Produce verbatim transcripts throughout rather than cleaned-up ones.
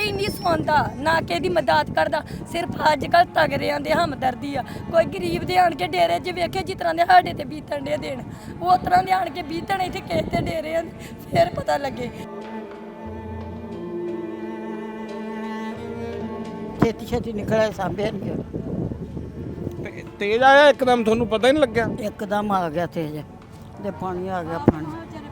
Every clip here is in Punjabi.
ਕੋਈ ਨਹੀਂ ਸੁਣਦਾ ਨਾ ਕਿਸੇ ਦੀ ਮਦਦ ਕਰਦਾ। ਸਿਰਫ ਅੱਜ ਕੱਲ੍ਹ ਤਗੜਿਆਂ ਦੇ ਹਮਦਰਦੀ ਆ। ਕੋਈ ਗਰੀਬ ਦੇ ਆਣ ਕੇ ਡੇਰੇ 'ਚ ਵੇਖੇ ਜਿਸ ਤਰ੍ਹਾਂ ਦੇ ਸਾਡੇ ਤੇ ਬੀਤਣ ਦੇ ਦੇਣ, ਉਹ ਤਰ੍ਹਾਂ ਦੇ ਆਣ ਕੇ ਬੀਤਣ ਇੱਥੇ ਕਿਸੇ ਤੇ ਡੇਰੇ ਆ, ਫਿਰ ਪਤਾ ਲੱਗੇ। ਛੇਤੀ ਛੇਤੀ ਨਿਕਲਿਆ ਸਾਂਭਿਆ ਨਹੀਂ ਗਿਆ। ਤੇ ਤੇਜ਼ ਆਇਆ ਇੱਕਦਮ, ਤੁਹਾਨੂੰ ਪਤਾ ਹੀ ਨਹੀਂ ਲੱਗਿਆ? ਇੱਕਦਮ ਆ ਗਿਆ ਤੇਜ ਤੇ ਪਾਣੀ ਆ ਗਿਆ। ਪਾਣੀ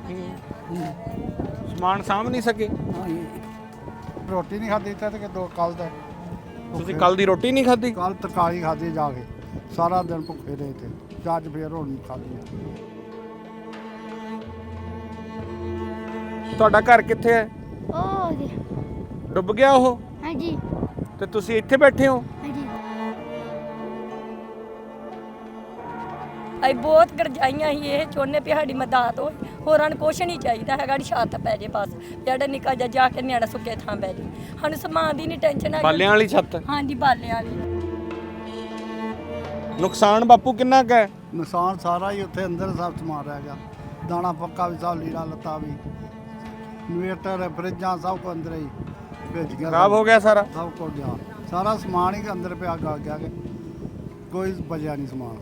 ਸਮਾਨ ਸਾਂਭ ਨਹੀਂ ਸਕੇ? ਰੋਟੀ ਨਹੀਂ ਖਾਧੀ ਇੱਥੇ ਤੇ ਦੋ ਕੱਲ ਦਾ। ਤੁਸੀਂ ਕੱਲ ਦੀ ਰੋਟੀ ਨਹੀਂ ਖਾਧੀ? ਕੱਲ ਤਰਕਾਰੀ ਖਾਧੀ ਜਾ ਕੇ, ਸਾਰਾ ਦਿਨ ਭੁੱਖੇ ਰਹੇ ਤੇ ਅੱਜ ਫੇਰ ਹੁਣ ਖਾਧੀ। ਤੁਹਾਡਾ ਘਰ ਕਿੱਥੇ ਹੈ? ਉਹ ਜੀ ਡੁੱਬ ਗਿਆ ਉਹ? ਹਾਂਜੀ ਤੇ ਤੁਸੀਂ ਇੱਥੇ ਬੈਠੇ ਹੋ? ਹਾਂਜੀ ਅਸੀਂ ਬਹੁਤ ਗਰਜਾਈਆਂ ਸੀ, ਇਹ ਚਾਹੁੰਦੇ ਵੀ ਸਾਡੀ ਮਦਦ ਹੋਏ। ਹੋਰਾਂ ਨੂੰ ਕੁਛ ਨਹੀਂ ਚਾਹੀਦਾ ਹੈਗਾ, ਛੱਤ ਪੈ ਜੇ ਬਸ, ਜਿਹੜਾ ਨਿੱਕਾ ਜਿਹਾ ਜਾ ਕੇ ਨਿਆਣਾ ਸੁੱਕੇ ਥਾਂ ਪੈ ਜੇ। ਸਾਨੂੰ ਸਮਾਨ ਦੀ ਨਹੀਂ ਟੈਨਸ਼ਨ ਹੈ। ਬਾਲਿਆਂ ਵਾਲੀ ਛੱਤ? ਹਾਂਜੀ ਬਾਲਿਆਂ ਵਾਲੀ। ਨੁਕਸਾਨ ਬਾਪੂ ਕਿੰਨਾ ਕੁ ਹੈ? ਨੁਕਸਾਨ ਸਾਰਾ ਹੀ ਉੱਥੇ ਅੰਦਰ ਸਭ ਸਮਾਨ ਰਹਿ ਗਿਆ। ਦਾਣਾ ਪੱਕਾ ਵੀ ਸਭ, ਲੀੜਾ ਲੱਤਾ ਵੀ, ਇਨਵੇਟਰ, ਫਰਿੱਜਾਂ ਸਭ ਕੁਝ ਅੰਦਰ ਹੀ ਭੇਜ ਗਿਆ। ਖਰਾਬ ਹੋ ਗਿਆ ਸਾਰਾ? ਸਭ ਕੁਝ ਗਿਆ, ਸਾਰਾ ਸਮਾਨ ਹੀ ਅੰਦਰ ਪਿਆ ਗਲ ਗਿਆ ਕਿ ਕੋਈ ਬਚਿਆ ਨਹੀਂ ਸਮਾਨ।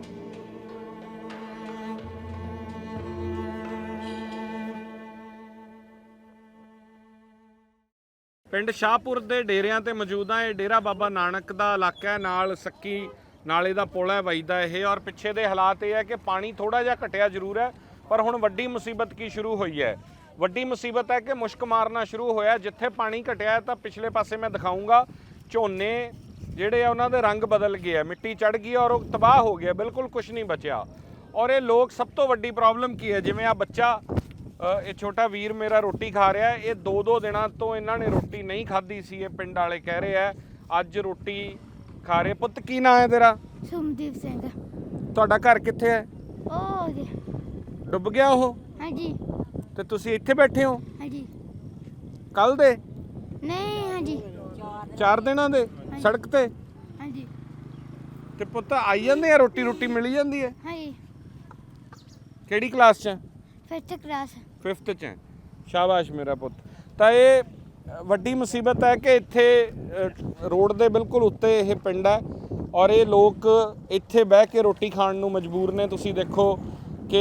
ਪਿੰਡ ਸ਼ਾਹਪੁਰ ਦੇ ਡੇਰਿਆਂ ਤੇ ਮੌਜੂਦ ਆ। ਇਹ ਡੇਰਾ ਬਾਬਾ ਨਾਨਕ ਦਾ ਇਲਾਕਾ ਹੈ, ਨਾਲ ਸੱਕੀ ਨਾਲੇ ਦਾ ਪੁਲ ਹੈ ਵੱਜਦਾ ਇਹ। ਔਰ ਪਿੱਛੇ ਦੇ ਹਾਲਾਤ ਇਹ ਹੈ ਕਿ ਪਾਣੀ ਥੋੜਾ ਜਿਹਾ ਘਟਿਆ ਜ਼ਰੂਰ ਹੈ, ਪਰ ਹੁਣ ਵੱਡੀ ਮੁਸੀਬਤ ਕੀ ਸ਼ੁਰੂ ਹੋਈ ਹੈ? ਵੱਡੀ ਮੁਸੀਬਤ ਹੈ ਕਿ ਮੁਸ਼ਕ ਮਾਰਨਾ ਸ਼ੁਰੂ ਹੋਇਆ। ਜਿੱਥੇ ਪਾਣੀ ਘਟਿਆ ਹੈ ਤਾਂ ਪਿਛਲੇ ਪਾਸੇ ਮੈਂ ਦਿਖਾਊਂਗਾ, ਝੋਨੇ ਜਿਹੜੇ ਆ ਉਹਨਾਂ ਦੇ ਰੰਗ ਬਦਲ ਗਏ, ਮਿੱਟੀ ਚੜ ਗਈ ਔਰ ਉਹ ਤਬਾਹ ਹੋ ਗਿਆ, ਬਿਲਕੁਲ ਕੁਝ ਨਹੀਂ ਬਚਿਆ। ਔਰ ਇਹ ਲੋਕ, ਸਭ ਤੋਂ ਵੱਡੀ ਪ੍ਰੋਬਲਮ ਕੀ ਹੈ, ਜਿਵੇਂ ਆ ਬੱਚਾ, ਇਹ ਛੋਟਾ ਵੀਰ ਮੇਰਾ ਰੋਟੀ ਖਾ ਰਿਹਾ, ਇਹ ਦੋ ਦੋ ਦਿਨਾਂ ਤੋਂ ਇਹਨਾਂ ਨੇ ਰੋਟੀ ਨਹੀਂ ਖਾਧੀ ਸੀ। ਇਹ ਪਿੰਡ ਵਾਲੇ ਕਹਿ ਰਹੇ ਆ ਅੱਜ ਰੋਟੀ ਖਾ ਰਹੇ। ਪੁੱਤ ਕੀ ਨਾਂ ਹੈ ਤੇਰਾ? ਸੁਮਦੀਪ ਸਿੰਘ। ਤੁਹਾਡਾ ਘਰ ਕਿੱਥੇ ਹੈ? ਉਹ ਜੀ ਡੁੱਬ ਗਿਆ ਉਹ? ਹਾਂਜੀ ਤੇ ਤੁਸੀਂ ਇੱਥੇ ਬੈਠੇ ਹੋ? ਹਾਂਜੀ ਕੱਲ ਦੇ? ਨਹੀਂ ਹਾਂਜੀ ਚਾਰ ਦਿਨਾਂ ਦੇ ਸੜਕ ਤੇ? ਹਾਂਜੀ ਤੇ ਪੁੱਤ ਆਈ ਜਾਂਦੇ ਆ, ਰੋਟੀ ਰੋਟੀ ਮਿਲੀ ਜਾਂਦੀ ਹੈ? ਹਾਂਜੀ ਕਿਹੜੀ ਕਲਾਸ 'ਚ? Fifth class. ਫਿਫਥ 'ਚ ਹੈ। ਸ਼ਾਬਾਸ਼ ਮੇਰਾ ਪੁੱਤ। ਤਾਂ ਇਹ ਵੱਡੀ ਮੁਸੀਬਤ ਹੈ ਕਿ ਇੱਥੇ ਰੋਡ ਦੇ ਬਿਲਕੁਲ ਉੱਤੇ ਇਹ ਪਿੰਡ ਹੈ ਔਰ ਇਹ ਲੋਕ ਇੱਥੇ ਬਹਿ ਕੇ ਰੋਟੀ ਖਾਣ ਨੂੰ ਮਜਬੂਰ ਨੇ। ਤੁਸੀਂ ਦੇਖੋ ਕਿ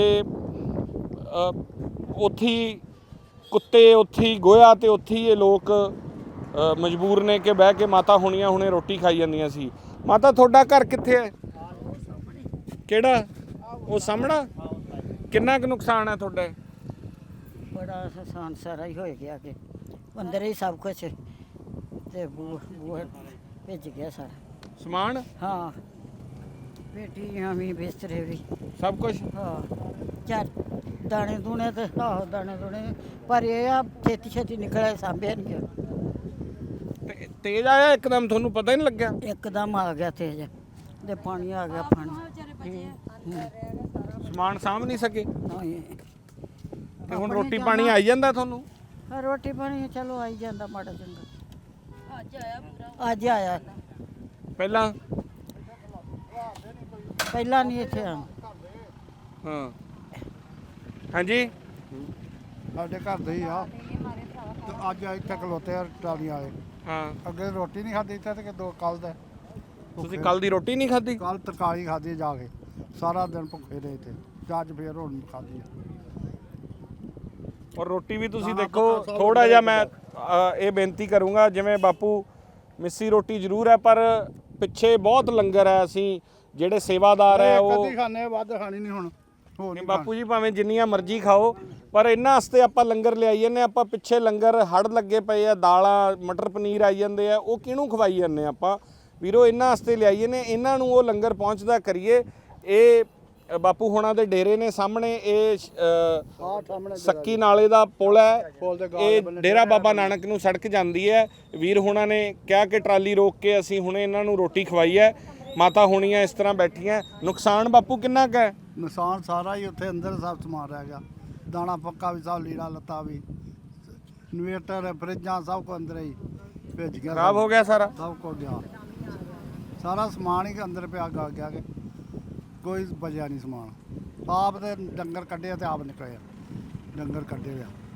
ਉੱਥੇ ਹੀ ਕੁੱਤੇ, ਉੱਥੇ ਹੀ ਗੋਹਾ ਤੇ ਉੱਥੇ ਹੀ ਇਹ ਲੋਕ ਮਜਬੂਰ ਨੇ ਕਿ ਬਹਿ ਕੇ ਮਾਤਾ ਹੋਣੀਆਂ ਹੁਣੇ ਰੋਟੀ ਖਾਈ ਜਾਂਦੀਆਂ ਸੀ। ਮਾਤਾ ਤੁਹਾਡਾ ਘਰ ਕਿੱਥੇ ਹੈ? ਕਿਹੜਾ? ਉਹ ਸਾਹਮਣਾ? ਕਿੰਨਾ ਕੁ ਨੁਕਸਾਨ ਹੈ ਤੁਹਾਡਾ? ਬੜਾ ਨੁਕਸਾਨ ਸਾਰਾ ਹੀ ਹੋ ਗਿਆ ਕਿ ਅੰਦਰ ਹੀ ਸਭ ਕੁਝ ਤੇ ਬੂਹ ਬੂਹ ਭੇਜ ਗਿਆ ਸਾਰਾ ਸਮਾਨ? ਹਾਂ ਪੇਟੀਆਂ ਵੀ, ਬਿਸਤਰੇ ਵੀ, ਸਭ ਕੁਝ? ਹਾਂ ਚਾਰ ਦਾਣੇ ਦੂਣੇ ਤੇ ਆਹੋ ਦਾਣੇ ਦੂਣੇ, ਪਰ ਇਹ ਆ ਛੇਤੀ ਛੇਤੀ ਨਿਕਲਿਆ ਸਾਂਭਿਆ ਨਹੀਂ ਗਿਆ। ਤੇ ਤੇਜ਼ ਆਇਆ ਇੱਕਦਮ, ਤੁਹਾਨੂੰ ਪਤਾ ਹੀ ਨਹੀਂ ਲੱਗਿਆ? ਇੱਕਦਮ ਆ ਗਿਆ ਤੇਜ ਤੇ ਪਾਣੀ ਆ ਗਿਆ। ਪਾਣੀ ਸਮਾਨ ਸਾਂਭ ਨਹੀਂ ਸਕੇ? ਨਹੀਂ ਤੇ ਹੁਣ ਰੋਟੀ ਪਾਣੀ ਆਈ ਜਾਂਦਾ ਤੁਹਾਨੂੰ? ਹਾਂ ਰੋਟੀ ਪਾਣੀ ਚਲੋ ਆਈ ਜਾਂਦਾ ਮਾੜਾ ਚੰਗਾ। ਅੱਜ ਆਇਆ ਅੱਜ ਆਇਆ ਪਹਿਲਾਂ? ਪਹਿਲਾਂ ਨਹੀਂ ਇੱਥੇ ਆ। ਹਾਂ ਹਾਂਜੀ ਸਾਡੇ ਘਰ ਦੇ ਹੀ ਆ ਤੇ ਅੱਜ ਇੱਥੇ ਖਲੋਤੇ ਆ ਟਰਾਲੀ ਵਾਲੇ। ਹਾਂ ਅੱਗੇ ਰੋਟੀ ਨਹੀਂ ਖਾਧੀ ਇੱਥੇ ਤੇ ਦੋ ਕੱਲ ਦਾ। ਤੁਸੀਂ ਕੱਲ ਦੀ ਰੋਟੀ ਨਹੀਂ ਖਾਧੀ? ਕੱਲ ਤਰਕਾਰੀ ਖਾਧੀ ਜਾ ਕੇ, ਸਾਰਾ ਦਿਨ ਭੁੱਖੇ ਰਹੇ ਤੇ ਅੱਜ ਫੇਰ ਹੁਣ ਖਾਧੀ। ਔਰ ਰੋਟੀ ਵੀ ਤੁਸੀਂ ਦੇਖੋ, ਥੋੜਾ ਜਿਹਾ ਮੈਂ ਇਹ ਬੇਨਤੀ ਕਰੂੰਗਾ, ਜਿਵੇਂ ਬਾਪੂ ਮਿੱਸੀ ਰੋਟੀ ਜ਼ਰੂਰ ਹੈ ਪਰ ਪਿੱਛੇ ਬਹੁਤ ਲੰਗਰ ਹੈ। ਅਸੀਂ ਜਿਹੜੇ ਸੇਵਾਦਾਰ ਹੈ ਉਹ ਕਦੀ ਖਾਣੇ, ਵੱਧ ਖਾਣੀ ਨਹੀਂ ਹੁਣ। ਹੋਰ ਨਹੀਂ ਨਹੀਂ ਬਾਪੂ ਜੀ, ਭਾਵੇਂ ਜਿੰਨੀਆਂ ਮਰਜ਼ੀ ਖਾਓ, ਪਰ ਇਹਨਾਂ ਵਾਸਤੇ ਆਪਾਂ ਲੰਗਰ ਲਿਆਈ ਜਾਂਦੇ। ਆਪਾਂ ਪਿੱਛੇ ਲੰਗਰ ਹੜ ਲੱਗੇ ਪਏ ਆ, ਦਾਲਾਂ ਮਟਰ ਪਨੀਰ ਆਈ ਜਾਂਦੇ ਆ, ਉਹ ਕਿਹਨੂੰ ਖਵਾਈ ਜਾਂਦੇ ਆਪਾਂ ਵੀਰੋ? ਇਹਨਾਂ ਵਾਸਤੇ ਲਿਆਈਏ ਨੇ, ਇਹਨਾਂ ਨੂੰ ਉਹ ਲੰਗਰ ਪਹੁੰਚਦਾ ਕਰੀਏ। ਇਹ ਬਾਪੂ ਹੋਣਾ ਦੇ ਡੇਰੇ ਨੇ ਸਾਹਮਣੇ, ਇਹ ਸੱਕੀ ਨਾਲੇ ਦਾ ਪੁਲ ਹੈ, ਇਹ ਡੇਰਾ ਬਾਬਾ ਨਾਨਕ ਨੂੰ ਸੜਕ ਜਾਂਦੀ ਹੈ। ਵੀਰ ਹੋਣਾ ਨੇ ਕਿਹਾ ਕਿ ਟਰਾਲੀ ਰੋਕ ਕੇ ਅਸੀਂ ਹੁਣੇ ਇਹਨਾਂ ਨੂੰ ਰੋਟੀ ਖਵਾਈ ਹੈ। ਮਾਤਾ ਹੋਣੀਆਂ ਇਸ ਤਰ੍ਹਾਂ ਬੈਠੀਆਂ। ਨੁਕਸਾਨ ਬਾਪੂ ਕਿੰਨਾ ਕੁ ਹੈ? ਨੁਕਸਾਨ ਸਾਰਾ ਹੀ ਉੱਥੇ ਅੰਦਰ ਸਭ ਸਮਾਨ ਰਹਿ ਗਿਆ। ਦਾਣਾ ਪੱਕਾ ਵੀ ਸਭ, ਲੀੜਾ ਲੱਤਾ ਵੀ, ਇਨਵੇਟਰ, ਫਰਿੱਜਾਂ ਸਭ ਕੁਝ ਅੰਦਰ ਹੀ ਭੇਜ ਗਿਆ। ਖਰਾਬ ਹੋ ਗਿਆ ਸਾਰਾ? ਸਭ ਕੁਝ ਗਿਆ, ਸਾਰਾ ਸਮਾਨ ਹੀ ਅੰਦਰ ਪਿਆ ਗਲ ਗਿਆ ਕਿ ਕੋਈ ਬਚਿਆ ਨਹੀਂ ਸਮਾਨ। ਆਪ ਤੇ ਡੰਗਰ ਕੱਢੇ ਤੇ ਆਪ ਨਿਕਲੇ, ਡੰਗਰ ਕੱਢੇ ਆ।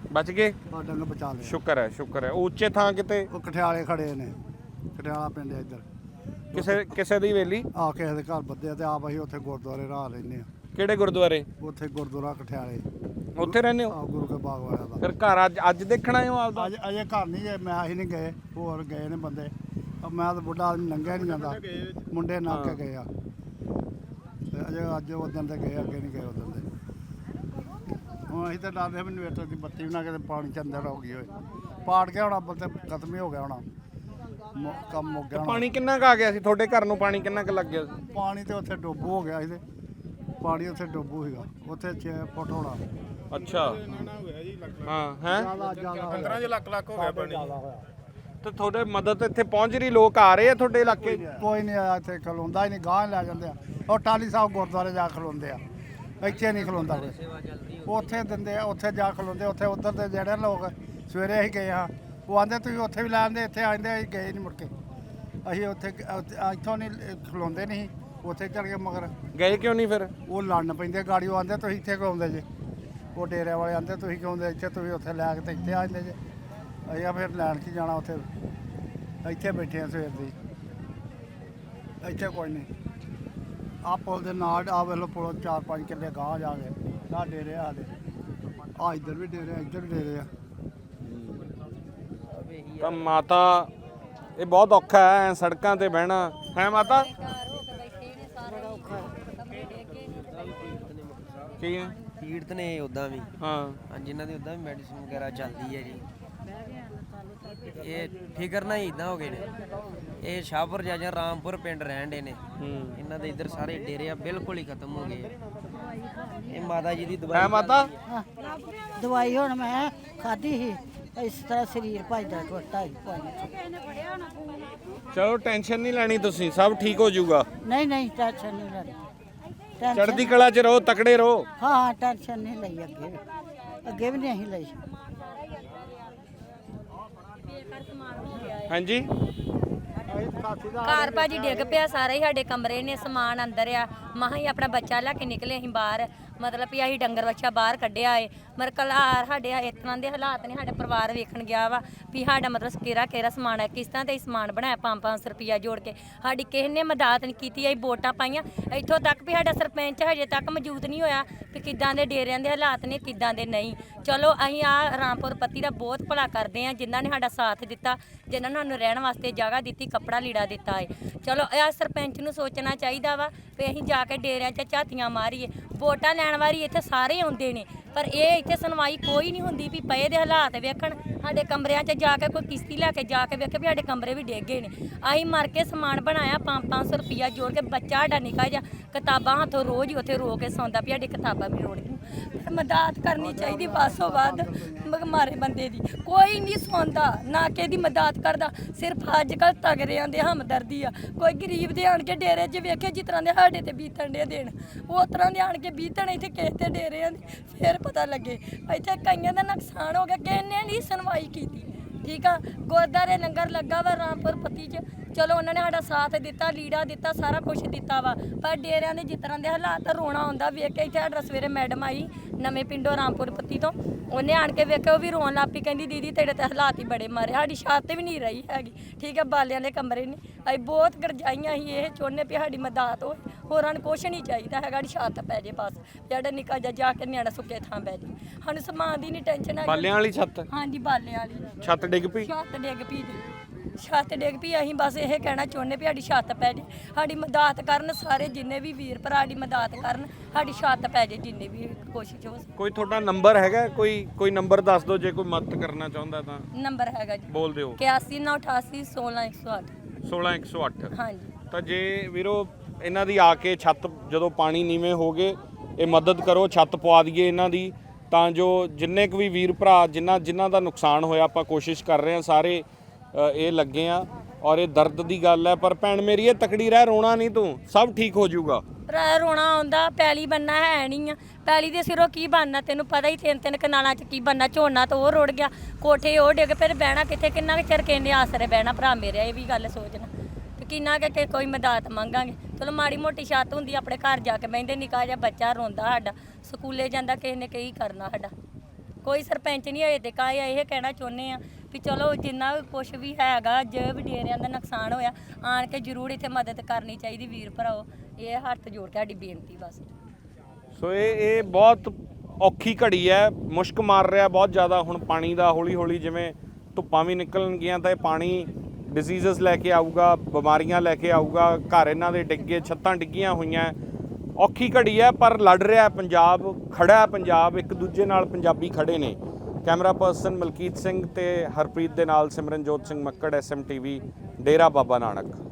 ਬਚ ਗਏ? ਆ ਡੰਗ ਬਚਾ ਲਏ। ਸ਼ੁਕਰ ਹੈ ਸ਼ੁਕਰ ਹੈ। ਉਹ ਉੱਚੇ ਥਾਂ ਕਿਤੇ ਉਹ ਕਠਿਆਲੇ ਖੜੇ ਨੇ, ਕਠਿਆਲਾ ਪਿੰਡ ਹੈ ਇੱਧਰ। ਕਿਸੇ ਕਿਸੇ ਦੀ ਵੇਲੀ ਆ ਕਿਸੇ ਦੇ ਘਰ ਬੱਦੇ ਆ ਤੇ ਆਪ ਅਸੀਂ ਉੱਥੇ ਗੁਰਦੁਆਰੇ ਰਾਹ ਲੈਂਦੇ ਆ। ਕਿਹੜੇ ਗੁਰਦੁਆਰੇ? ਉੱਥੇ ਗੁਰਦੁਆਰਾ ਕਠਿਆਲੇ, ਉੱਥੇ ਰਹਿੰਦੇ ਹੋ? ਆ ਗੁਰੂ ਕੇ ਬਾਗ ਵਾਲਿਆਂ ਦਾ। ਫਿਰ ਘਰ ਅੱਜ ਅੱਜ ਦੇਖਣਾ ਹੋ ਆਪਦਾ? ਅੱਜ ਅਜੇ ਘਰ ਨਹੀਂ ਗਏ, ਮੈਂ ਅਸੀਂ ਨਹੀਂ ਗਏ, ਹੋਰ ਗਏ ਨੇ ਬੰਦੇ। ਅਹ ਮੈਂ ਤਾਂ ਬੁੱਢਾ ਆਦਮੀ ਲੰਘਿਆ ਨਹੀਂ ਜਾਂਦਾ, ਮੁੰਡੇ ਨਾ ਕੇ ਗਏ ਆ ਤੇ ਅਜੇ ਅੱਜ ਉਦੋਂ ਦੇ ਗਏ, ਅੱਗੇ ਨਹੀਂ ਗਏ ਉਦੋਂ ਦੇ। ਹੁਣ ਅਸੀਂ ਤਾਂ ਡਰਦੇ ਵੀ ਇਨਵੇਟਰ ਦੀ ਬੱਤੀ ਵੀ ਨਾ ਕਿਤੇ ਪਾਣੀ ਚ ਅੰਦਰ ਹੋ ਗਈ ਹੋਏ, ਪਾੜ ਕੇ ਹੋਣਾ ਬੰਦੇ ਖਤਮ ਹੀ ਹੋ ਗਿਆ ਹੋਣਾ, ਮੁ- ਕੰਮ ਮੁੱਕ ਗਿਆ ਹੋਣਾ। ਪਾਣੀ ਕਿੰਨਾ ਕੁ ਆ ਗਿਆ ਸੀ ਤੁਹਾਡੇ ਘਰ ਨੂੰ? ਪਾਣੀ ਕਿੰਨਾ ਕੁ ਲੱਗ ਗਿਆ ਸੀ? ਪਾਣੀ ਤੇ ਉੱਥੇ ਡੋਬੂ ਹੋ ਗਿਆ ਸੀ ਤੇ ਪਾਣੀ ਉੱਥੇ ਡੋਬੂ ਸੀਗਾ, ਉੱਥੇ ਛੇ ਫੁੱਟ ਹੋਣਾ। ਅੱਛਾ ਹਾਂ ਹੈ ਪੰਦਰਾਂ ਲੱਖ ਲੱਖ ਹੋ ਗਿਆ ਪਾਣੀ। ਤੇ ਤੁਹਾਡੇ ਮਦਦ ਇੱਥੇ ਪਹੁੰਚ ਰਹੀ? ਲੋਕ ਆ ਰਹੇ ਆ ਤੁਹਾਡੇ ਇਲਾਕੇ? ਕੋਈ ਨਹੀਂ ਆਇਆ ਇੱਥੇ, ਖਲੋਂਦਾ ਹੀ ਨਹੀਂ, ਗਾਂਹ ਲੈ ਜਾਂਦੇ ਆ। ਉਹ ਟਾਲੀ ਸਾਹਿਬ ਗੁਰਦੁਆਰੇ ਜਾ ਖਲੋਂਦੇ ਆ, ਇੱਥੇ ਨਹੀਂ ਖਲੋਂਦਾ ਕੋਈ। ਉੱਥੇ ਦਿੰਦੇ ਆ, ਉੱਥੇ ਜਾ ਖਲੋਂਦੇ। ਉੱਥੇ ਉੱਧਰ ਦੇ ਜਿਹੜੇ ਲੋਕ ਸਵੇਰੇ ਅਸੀਂ ਗਏ ਹਾਂ, ਉਹ ਆਂਦੇ ਤੁਸੀਂ ਉੱਥੇ ਵੀ ਲੈ ਆਂਦੇ, ਇੱਥੇ ਆਂਦੇ ਅਸੀਂ ਗਏ ਨਹੀਂ ਮੁੜ ਕੇ। ਅਸੀਂ ਉੱਥੇ ਉੱਥੇ- ਇੱਥੋਂ ਨਹੀਂ ਖਲੋਂਦੇ ਨਹੀਂ, ਉੱਥੇ ਚਲ ਗਏ। ਮਗਰ ਗਏ ਕਿਉਂ ਨਹੀਂ ਫਿਰ? ਉਹ ਲੜਨ ਪੈਂਦੇ ਗਾੜੀ, ਉਹ ਆਂਦੇ ਤੁਸੀਂ ਇੱਥੇ ਕਿਉਂ ਆਉਂਦੇ ਜੇ। ਉਹ ਡੇਰੇ ਵਾਲੇ ਆਂਦੇ ਤੁਸੀਂ ਕਿਉਂ ਆਉਂਦੇ ਇੱਥੇ, ਤੁਸੀਂ ਉੱਥੇ ਲੈ ਕੇ ਤੇ ਇੱਥੇ ਆ ਜਾਂਦੇ ਜੇ। ਅਸੀਂ ਆ ਫਿਰ ਲੈਣ ਕੀ ਜਾਣਾ ਉੱਥੇ, ਇੱਥੇ ਬੈਠੇ ਆ ਸਵੇਰ ਦੀ। ਇੱਥੇ ਕੋਈ ਨਹੀਂ। ਆ ਪੁਲ ਦੇ ਨਾਲ ਆ ਵੇਲੋ ਪੁਲ ਚਾਰ ਪੰਜ ਕਿੱਲੇ ਗਾਂਹ ਜਾ ਕੇ ਨਾ ਡੇਰੇ ਆ ਦੇ, ਆ ਇੱਧਰ ਵੀ ਡੇਰੇ ਆ, ਇੱਧਰ ਵੀ ਡੇਰੇ ਆ। ਤਾਂ ਮਾਤਾ ਇਹ ਬਹੁਤ ਔਖਾ ਹੈ ਸੜਕਾਂ ਤੇ ਬਹਿਣਾ, ਹੈ ਮਾਤਾ? ਕੀ ਹੈ? ਪੀੜਤ ਨੇ ਉਦਾਂ ਵੀ, ਹਾਂ ਹਾਂ ਜਿਨ੍ਹਾਂ ਦੀ ਉਦਾਂ ਵੀ ਮੈਡੀਸਿਨ ਵਗੈਰਾ ਚੱਲਦੀ ਹੈ ਜੀ। ਇਹ ਫਿਕਰ ਨਾ ਇਦਾਂ ਹੋ ਗਏ ਨੇ। ਇਹ ਸ਼ਾਹਪੁਰ ਜਾਂ ਜਾਂ ਰਾਮਪੁਰ ਪਿੰਡ ਰਹਿਣ ਦੇ ਨੇ, ਇਹਨਾਂ ਦੇ ਇੱਧਰ ਸਾਰੇ ਡੇਰੇ ਆ ਬਿਲਕੁਲ ਹੀ ਖਤਮ ਹੋ ਗਏ। ਇਹ ਮਾਤਾ ਜੀ ਦੀ ਹੈ ਦਵਾਈ ਮਾਤਾ? ਦਵਾਈ ਹੁਣ ਮੈਂ ਖਾਧੀ ਸੀ, ਇਸ ਤਰ੍ਹਾਂ ਸਰੀਰ ਭਜਦਾ ਟੁੱਟਾ ਹੀ ਪਾਣੀ ਚਲੋ ਟੈਨਸ਼ਨ ਨਹੀਂ ਲੈਣੀ ਤੁਸੀਂ, ਸਭ ਠੀਕ ਹੋ ਜਾਊਗਾ। ਨਹੀਂ ਨਹੀਂ ਟੈਨਸ਼ਨ ਨਹੀਂ ਲੈਣੀ, ਚੜ੍ਹਦੀ ਕਲਾ 'ਚ ਰਹੋ, ਤਕੜੇ ਰਹੋ। ਹਾਂ ਹਾਂ ਟੈਨਸ਼ਨ ਨਹੀਂ ਲਈ, ਅੱਗੇ ਅੱਗੇ ਵੀ ਨਹੀਂ ਅਸੀਂ ਲਈ। ਹਾਂਜੀ ਘਰ ਭਾਜੀ ਡਿੱਗ ਪਿਆ ਸਾਰਾ ਹੀ, ਸਾਡੇ ਕਮਰੇ ਨੇ, ਸਮਾਨ ਅੰਦਰ ਆ। ਮਹਾਂ ਹੀ ਆਪਣਾ ਬੱਚਾ ਲੈ ਕੇ ਨਿਕਲੇ ਅਸੀਂ ਬਾਹਰ, ਮਤਲਬ ਵੀ ਅਸੀਂ ਡੰਗਰ ਬੱਚਾ ਬਾਹਰ ਕੱਢਿਆ ਏ। ਮਰ ਕਲਾਰ ਸਾਡੇ ਇਸ ਤਰ੍ਹਾਂ ਦੇ ਹਾਲਾਤ ਨੇ, ਸਾਡਾ ਪਰਿਵਾਰ ਵੇਖਣ ਗਿਆ ਵਾ ਵੀ ਸਾਡਾ ਮਤਲਬ ਕਿਹੜਾ ਕਿਹੜਾ ਸਮਾਨ ਹੈ, ਕਿਸ ਤਰ੍ਹਾਂ ਤੇ ਸਮਾਨ ਬਣਾਇਆ। ਪੰਜ ਪੰਜ ਸੌ ਰੁਪਈਆ ਜੋੜ ਕੇ ਸਾਡੀ ਕਿਸੇ ਨੇ ਮਦਦ ਨਹੀਂ ਕੀਤੀ। ਅਸੀਂ ਵੋਟਾਂ ਪਾਈਆਂ ਇੱਥੋਂ ਤੱਕ ਵੀ ਸਾਡਾ ਸਰਪੰਚ ਹਜੇ ਤੱਕ ਮੌਜੂਦ ਨਹੀਂ ਹੋਇਆ ਵੀ ਕਿੱਦਾਂ ਦੇ ਡੇਰਿਆਂ ਦੇ ਹਾਲਾਤ ਨੇ, ਕਿੱਦਾਂ ਦੇ ਨਹੀਂ। ਚਲੋ ਅਸੀਂ ਆ ਰਾਮਪੁਰ ਪੱਤੀ ਦਾ ਬਹੁਤ ਭਲਾ ਕਰਦੇ ਹਾਂ, ਜਿਨ੍ਹਾਂ ਨੇ ਸਾਡਾ ਸਾਥ ਦਿੱਤਾ, ਜਿਨ੍ਹਾਂ ਨੇ ਸਾਨੂੰ ਰਹਿਣ ਵਾਸਤੇ ਜਗ੍ਹਾ ਦਿੱਤੀ, ਕੱਪੜਾ ਲੀੜਾ ਦਿੱਤਾ ਹੈ। ਚਲੋ ਇਹ ਸਰਪੰਚ ਨੂੰ ਸੋਚਣਾ ਚਾਹੀਦਾ ਵਾ ਵੀ ਅਸੀਂ ਜਾ ਕੇ ਡੇਰਿਆਂ 'ਚ ਝਾਤੀਆਂ ਮਾਰੀਏ। ਵੋਟਾਂ ਲੈਣ ਵਾਰੀ ਇੱਥੇ ਸਾਰੇ ਆਉਂਦੇ ਨੇ, ਪਰ ਇਹ ਇੱਥੇ ਸੁਣਵਾਈ ਕੋਈ ਨਹੀਂ ਹੁੰਦੀ ਵੀ ਪਏ ਦੇ ਹਾਲਾਤ ਵੇਖਣ। ਸਾਡੇ ਕਮਰਿਆਂ 'ਚ ਜਾ ਕੇ ਕੋਈ ਕਿਸ਼ਤੀ ਲੈ ਕੇ ਜਾ ਕੇ ਵੇਖੇ ਵੀ ਸਾਡੇ ਕਮਰੇ ਵੀ ਡਿੱਗ ਗਏ ਨੇ। ਅਸੀਂ ਮਰ ਕੇ ਸਮਾਨ ਬਣਾਇਆ ਪੰਜ ਪੰਜ ਸੌ ਰੁਪਈਆ ਜੋੜ ਕੇ, ਬੱਚਾ ਸਾਡਾ ਨਿੱਕਾ ਜਿਹਾ ਕਿਤਾਬਾਂ ਹੱਥੋਂ ਰੋਜ਼ ਹੀ ਉੱਥੇ ਰੋ ਕੇ ਸੌਂਦਾ ਵੀ ਸਾਡੀ ਕਿਤਾਬਾਂ ਵੀ ਰੋੜ ਗਈਆਂ। ਮਦਦ ਕਰਨੀ ਚਾਹੀਦੀ ਬਾਸੋ ਵੱਧ ਮਾਰੇ ਬੰਦੇ ਦੀ, ਕੋਈ ਨਹੀਂ ਸੁਣਦਾ ਨਾ ਕਿਸੇ ਦੀ ਮਦਦ ਕਰਦਾ। ਸਿਰਫ ਅੱਜ ਕੱਲ੍ਹ ਤਗੜਿਆਂ ਦੇ ਹਮਦਰਦੀ ਆ, ਕੋਈ ਗਰੀਬ ਦੇ ਆਣ ਕੇ ਡੇਰੇ 'ਚ ਵੇਖੇ ਜਿਸ ਤਰ੍ਹਾਂ ਦੇ ਸਾਡੇ ਤੇ ਬੀਤਣ ਦੇ ਦੇਣ, ਉਹ ਤਰ੍ਹਾਂ ਦੇ ਆਣ ਕੇ ਬੀਤਣ ਇੱਥੇ ਕਿਸੇ ਤੇ ਡੇਰਿਆਂ ਦੇ, ਫਿਰ ਪਤਾ ਲੱਗੇ ਇੱਥੇ ਕਈਆਂ ਦਾ ਨੁਕਸਾਨ ਹੋ ਗਿਆ, ਕਿਸੇ ਨੇ ਨਹੀਂ ਸੁਣਵਾਈ ਕੀਤੀ। ਠੀਕ ਆ, ਗੁਰਦੁਆਰੇ ਲੰਗਰ ਲੱਗਾ ਵਾ ਰਾਮਪੁਰ ਪੱਤੀ 'ਚ, ਚਲੋ ਉਹਨਾਂ ਨੇ ਸਾਡਾ ਸਾਥ ਦਿੱਤਾ, ਲੀੜਾ ਦਿੱਤਾ, ਸਾਰਾ ਕੁਝ ਦਿੱਤਾ ਵਾ। ਪਰ ਡੇਰਿਆਂ ਦੇ ਜਿਸ ਤਰ੍ਹਾਂ ਦੇ ਹਾਲਾਤ, ਰੋਣਾ ਆਉਂਦਾ ਵੇਖ ਕੇ। ਇੱਥੇ ਸਾਡਾ ਸਵੇਰੇ ਮੈਡਮ ਆਈ ਨਵੇਂ ਪਿੰਡੋਂ ਰਾਮਪੁਰ ਪੱਤੀ ਤੋਂ, ਉਹਨੇ ਆਣ ਕੇ ਵੇਖਿਆ, ਉਹ ਵੀ ਰੋਣ ਲੱਗ ਪਈ, ਕਹਿੰਦੀ ਦੀਦੀ ਤੇਰੇ ਤੇ ਹਾਲਾਤ ਹੀ ਬੜੇ ਮਾਰੇ, ਸਾਡੀ ਛੱਤ ਵੀ ਨਹੀਂ ਰਹੀ ਹੈਗੀ। ਠੀਕ ਹੈ, ਬਾਲਿਆਂ ਦੇ ਕਮਰੇ ਨੇ, ਅਸੀਂ ਬਹੁਤ ਗਰਜਾਈਆਂ ਸੀ। ਇਹ ਚਾਹੁੰਦੇ ਵੀ ਸਾਡੀ ਮਦਦ ਹੋਏ, ਹੋਰਾਂ ਨੂੰ ਕੁਛ ਨਹੀਂ ਚਾਹੀਦਾ ਹੈਗਾ, ਸਾਡੀ ਛੱਤ ਪੈ ਜੇ ਬਸ, ਜਿਹੜਾ ਨਿੱਕਾ ਜਿਹਾ ਜਾ ਕੇ ਨਿਆਣਾ ਸੁੱਕੇ ਥਾਂ ਬਹਿ ਜੇ। ਸਾਨੂੰ ਸਮਾਨ ਦੀ ਨਹੀਂ ਟੈਨਸ਼ਨ ਹੈ। ਬਾਲਿਆਂ ਵਾਲੀ ਛੱਤ? ਹਾਂਜੀ ਬਾਲਿਆਂ ਵਾਲੀ ਛੱਤ ਡਿੱਗ ਪਈ? ਛੱਤ ਡਿੱਗ ਪਈ ਜੀ, ਛੱਤ ਡਿੱਗ ਪਈ। ਅਸੀਂ ਬਸ ਇਹ ਕਹਿਣਾ ਚਾਹੁੰਦੇ ਵੀ ਸਾਡੀ ਛੱਤ ਪੈ ਜੇ, ਸਾਡੀ ਮਦਦ ਕਰਨ ਸਾਰੇ, ਜਿੰਨੇ ਵੀ ਵੀਰ ਭਰਾ ਸਾਡੀ ਮਦਦ ਕਰਨ, ਸਾਡੀ ਛੱਤ ਪੈ ਜੇ, ਜਿੰਨੇ ਵੀ ਕੋਸ਼ਿਸ਼ ਹੋ ਸਕੇ। ਕੋਈ ਤੁਹਾਡਾ ਨੰਬਰ ਹੈਗਾ? ਕੋਈ ਕੋਈ ਨੰਬਰ ਦੱਸ ਦਿਓ ਜੇ ਕੋਈ ਮਦਦ ਕਰਨਾ ਚਾਹੁੰਦਾ ਤਾਂ। ਨੰਬਰ ਹੈਗਾ ਜੀ, ਬੋਲ ਦਿਓ। ਇਕਿਆਸੀ ਨੌ ਅਠਾਸੀ ਸੋਲਾਂ ਇੱਕ ਸੌ ਅੱਠ। ਸੋਲਾਂ ਇੱਕ ਸੌ ਅੱਠ। ਹਾਂਜੀ ਤਾਂ ਜੇ ਵੀਰੋ ਇਹਨਾਂ ਦੀ ਆ ਕੇ ਛੱਤ, ਜਦੋਂ ਪਾਣੀ ਨੀਵੇਂ ਹੋ ਗਏ, ਇਹ ਮਦਦ ਕਰੋ, ਛੱਤ ਪਵਾ ਦਈਏ ਇਹਨਾਂ ਦੀ, ਤਾਂ ਜੋ ਜਿੰਨੇ ਕੁ ਵੀ ਵੀਰ ਭਰਾ ਜਿਨ੍ਹਾਂ ਜਿਨ੍ਹਾਂ ਦਾ ਨੁਕਸਾਨ ਹੋਇਆ, ਆਪਾਂ ਕੋਸ਼ਿਸ਼ ਕਰ ਰਹੇ ਹਾਂ ਸਾਰੇ ਇਹ ਲੱਗੇ ਆ। ਔਰ ਇਹ ਦਰਦ ਦੀ ਗੱਲ ਹੈ, ਪਰ ਭੈਣ ਮੇਰੀ ਇਹ ਤਕੜੀ ਰਹਿ, ਰੋਣਾ ਨਹੀਂ ਤੂੰ, ਸਭ ਠੀਕ ਹੋ ਜਾਊਗਾ। ਭਰਾ ਰੋਣਾ ਆਉਂਦਾ, ਪੈਲੀ ਬੰਨਾ ਹੈ ਨਹੀਂ ਆ, ਪੈਲੀ ਦੇ ਸਿਰੋਂ ਕੀ ਬਣਨਾ ਤੈਨੂੰ ਪਤਾ ਹੀ, ਤਿੰਨ ਤਿੰਨ ਕਨਾਲਾਂ 'ਚ ਕੀ ਬਣਨਾ। ਝੋਨਾ ਤਾਂ ਉਹ ਰੁੜ ਗਿਆ, ਕੋਠੇ ਉਹ ਡਿੱਗ, ਫਿਰ ਬਹਿਣਾ ਕਿੱਥੇ, ਕਿੰਨਾ ਕੁ ਚਿਰ ਕਹਿੰਦੇ ਆਸਰੇ ਬਹਿਣਾ। ਭਰਾ ਮੇਰੇ ਇਹ ਵੀ ਗੱਲ ਸੋਚਣਾ ਤੇ ਕਿੰਨਾ ਕਿ ਕੋਈ ਮਦਦ ਮੰਗਾਂਗੇ। ਚਲੋ ਮਾੜੀ ਮੋਟੀ ਛੱਤ ਹੁੰਦੀ, ਆਪਣੇ ਘਰ ਜਾ ਕੇ ਬਹਿੰਦੇ, ਨਿੱਕਾ ਜਿਹਾ ਬੱਚਾ ਰੋਂਦਾ ਸਾਡਾ, ਸਕੂਲੇ ਜਾਂਦਾ, ਕਿਸੇ ਨੇ ਕੀ ਕਰਨਾ ਸਾਡਾ। ਕੋਈ ਸਰਪੰਚ ਨਹੀਂ ਹਜੇ ਤੱਕ ਆਇਆ। ਇਹ ਕਹਿਣਾ ਚਾਹੁੰਦੇ ਆ ਵੀ ਚਲੋ ਜਿੰਨਾ ਵੀ ਕੁਛ ਵੀ ਹੈਗਾ, ਜੋ ਵੀ ਡੇਰਿਆਂ ਦਾ ਨੁਕਸਾਨ ਹੋਇਆ, ਆਣ ਕੇ ਜ਼ਰੂਰ ਇੱਥੇ ਮਦਦ ਕਰਨੀ ਚਾਹੀਦੀ ਵੀਰ ਭਰਾਓ। ਇਹ ਹੱਥ ਜੋੜ ਕੇ ਸਾਡੀ ਬੇਨਤੀ ਬਸ। ਸੋ ਇਹ ਇਹ ਬਹੁਤ ਔਖੀ ਘੜੀ ਹੈ, ਮੁਸ਼ਕ ਮਾਰ ਰਿਹਾ ਬਹੁਤ ਜ਼ਿਆਦਾ ਹੁਣ ਪਾਣੀ ਦਾ। ਹੌਲੀ ਹੌਲੀ ਜਿਵੇਂ ਧੁੱਪਾਂ ਵੀ ਨਿਕਲਣਗੀਆਂ ਤਾਂ ਇਹ ਪਾਣੀ ਡਿਸੀਜ਼ਸ ਲੈ ਕੇ ਆਊਗਾ, ਬਿਮਾਰੀਆਂ ਲੈ ਕੇ ਆਊਗਾ। ਘਰ ਇਹਨਾਂ ਦੇ ਡਿੱਗੇ, ਛੱਤਾਂ ਡਿੱਗੀਆਂ ਹੋਈਆਂ। ਔਖੀ ਘੜੀ ਹੈ ਪਰ ਲੜ ਰਿਹਾ ਪੰਜਾਬ, ਖੜਾ ਹੈ ਪੰਜਾਬ, ਇੱਕ ਦੂਜੇ ਨਾਲ ਪੰਜਾਬੀ ਖੜੇ ਨੇ। ਕੈਮਰਾ ਪਰਸਨ ਮਲਕੀਤ ਸਿੰਘ ਤੇ ਹਰਪ੍ਰੀਤ ਦੇ ਨਾਲ Simranjot Singh Makkar, S M T V, Dera Baba Nanak.